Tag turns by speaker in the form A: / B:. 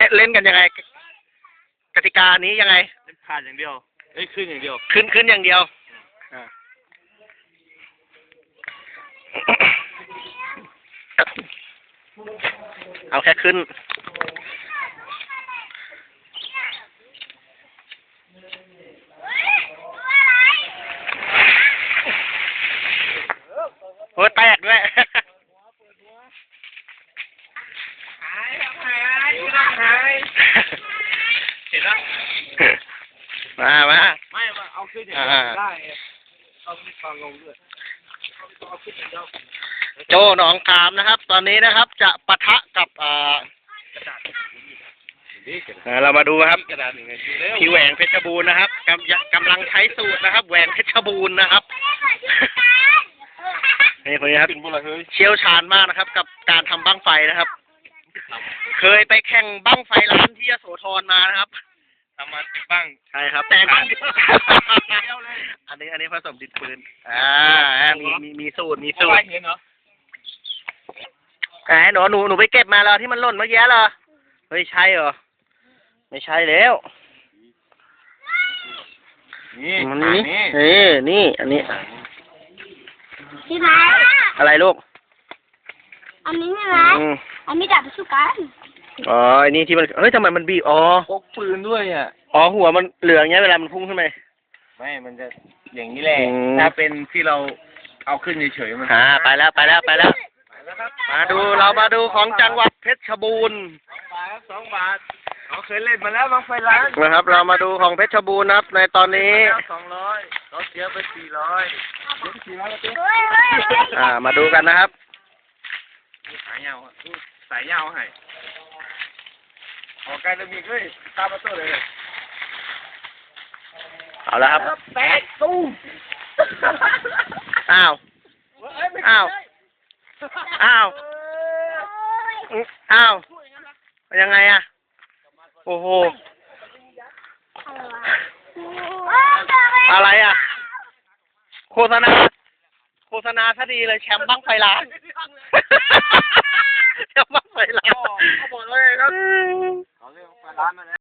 A: เล่นกันยังไงกติกานี้ยังไง
B: เล่นผ่านอย่างเดียวเอ้ยขึ้นอย่างเดียว
A: ขึ้นอย่างเดียวเอาแค่ขึ้นโอ้แตกด้วย
B: หายเห็นแล้ว
A: มา
B: ไม่เอาขึ้นอย่างเดียวได้เอาขึ้นตอนลงด้วยเอาขึ้นอย่างเดียว
A: โจ้หนองขามนะครับตอนนี้นะครับจะปะทะกับเรามาดูครับพี่แหวงเพชรบูรณ์นะครับกำลังใช้สูตรนะครับแหวงเพชรบูรณ์นะครับนี่คนนี้ครับเชี่ยวชาญมากนะครับกับการทำบั้งไฟนะครับเคยไปแข่งบั้งไฟร้านที่ยโสธรมานะครับ
B: ทำมาติดบ้าง
A: ใช่ครับแต่อันนี้ผสมดินปืนมีสูตร
B: เห็นเหรอ
A: หนูไปเก็บมาแล้วที่มันหล่นเมื่อกี้เหรอเฮ้ยใช่เหรอไม่ใช่แล้ว
B: นี่
A: อันนี้
C: พี่ไหม
A: อะไรลูก
C: อันนี้ใช่ไหมอันนี้ดับสุกัน
A: อ๋ออันนี้ที่มันเฮ้ยทำไมมันบีบ
B: พกปืนด้วยอ่ะ
A: หัวมันเหลืองเงี้ยเวลามันพุ่งขึ้นไป
B: ไม่มันจะอย่างนี้แหละถ้าเป็นที่เราเอาขึ้นเฉยๆมัน
A: ไปแล้วเรามาดูของจังหวัดเพชรบูรณ์
B: 2 บาทเราเคยเล่นมาแล้วบางไฟร้าน
A: นะครับเรามาดูของเพชรบูรณ์นะครับในตอนนี้
B: 200เราเสียไป
A: มาดูกันนะครับ
B: สายยาวให้ออกการมีด้วยตามมาตัวเลย
A: เอาแล้วครับ
B: แตกตู้
A: อ้าวยังไงอะโอ้โหอะไรอะโฆษณาซะดีเลยแชมป์บั้งไฟล้านแชมป์บั้งไฟล้าน
B: เขาบอกเลยครับเขาเรียกไฟล้านมาแล้ว